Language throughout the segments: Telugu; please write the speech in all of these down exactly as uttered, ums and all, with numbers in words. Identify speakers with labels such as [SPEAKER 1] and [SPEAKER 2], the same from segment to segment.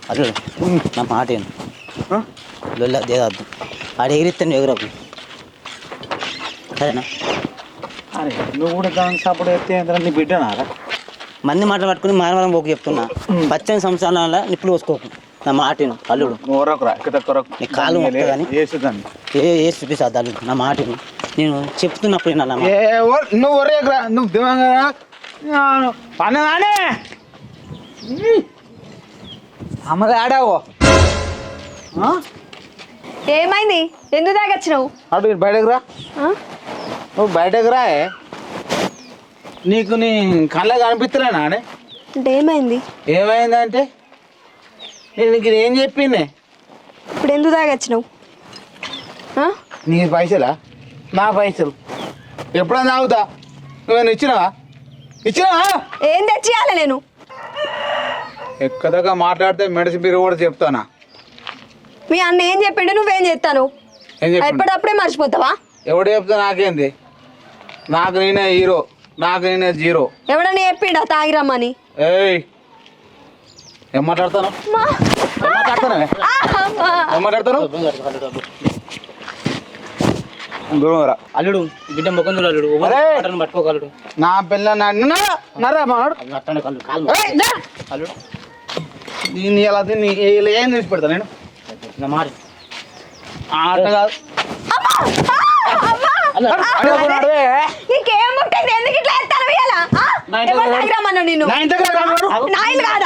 [SPEAKER 1] అల్లుడు నా మాట ఏంది లొల్ల దేదద్దు ఆడ ఎగిరిస్తాను ఎగురకు సరేనా?
[SPEAKER 2] అరే నువ్వు కూడా దానికి సపోర్ట్ అయితే నీ బిడ్డనారా?
[SPEAKER 1] మంది మాటలు పట్టుకుని మానవరం పోకు చెప్తున్నా. పచ్చని సంవత్సరాల నిప్పులు పోసుకోకు నా మాటను అల్లుడు. నీ కాలు కానీ ఏ ఏ చూపిస్తుంది అల్లుడు నా మాటను. నేను చెప్తున్నప్పుడు నా
[SPEAKER 2] నువ్వు ఒరేకరా నువ్వు దివంగా పన్నదానే అమ్మది ఆడావు.
[SPEAKER 3] ఏమైంది? ఎందుకు తాగొచ్చినావు?
[SPEAKER 2] అటు బయటకు రా. నువ్వు బయటకు రా. నీకు నీ కళ్ళ కనిపిస్తలేనా అని?
[SPEAKER 3] అంటే ఏమైంది?
[SPEAKER 2] ఏమైందంటే నేను నీకు ఏం చెప్పింది?
[SPEAKER 3] ఇప్పుడు ఎందుకు తాగొచ్చినావు?
[SPEAKER 2] నీ పైసలా? నా పైసలు ఎప్పుడైనా తాగుతా. నువ్వేనా ఇచ్చినావా? ఇచ్చినావా?
[SPEAKER 3] ఏం తెచ్చియాలి నేను?
[SPEAKER 2] ఎక్కదగా మాట్లాడితే మెడిసిన్ మీరు కూడా చెప్తానా?
[SPEAKER 3] మీ అన్న ఏం చెప్పిండు నువ్వేం చేస్తాను? ఎప్పుడప్పుడే మర్చిపోతావా?
[SPEAKER 2] ఎవడు చెప్తా నాకేంది? నాకు నేనే హీరో, నాకు నేనే జీరో.
[SPEAKER 3] ఎవడన్నా చెప్పిండా తాగిరమ్మని?
[SPEAKER 2] ఏయ్ ఏం మాట్లాడతాను? ఏం మాట్లాడతాను? ఏం మాట్లాడతాను?
[SPEAKER 1] అల్లుడు బిడ్డ ముఖం అల్లుడు పట్టుకోగలడు.
[SPEAKER 2] నా పిల్ల
[SPEAKER 1] అల్లుడు
[SPEAKER 2] దీన్ని ఎలా దీన్ని ఏం తీసి పెడతా నేను?
[SPEAKER 1] నా మాట
[SPEAKER 2] ఆట కాదు.
[SPEAKER 3] నీకేం ముట్టింది? ఎందుకు ఇట్లా ఎత్తాను ఇయ్యాల? ఎవరు తాగిరమ్మన్నా నిన్ను? నా ఇల్లు కాదా?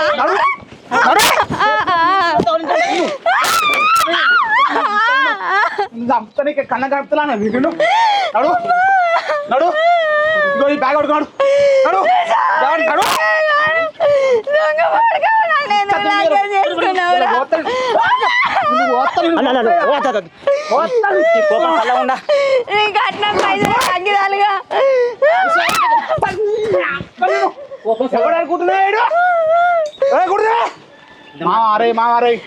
[SPEAKER 2] కన్న కడుపుతున్నా నడు నడు నడు ఈ బ్యాగ్ పడుకోడు నడు నడు అనుకుంటున్నాడు. మారే మారే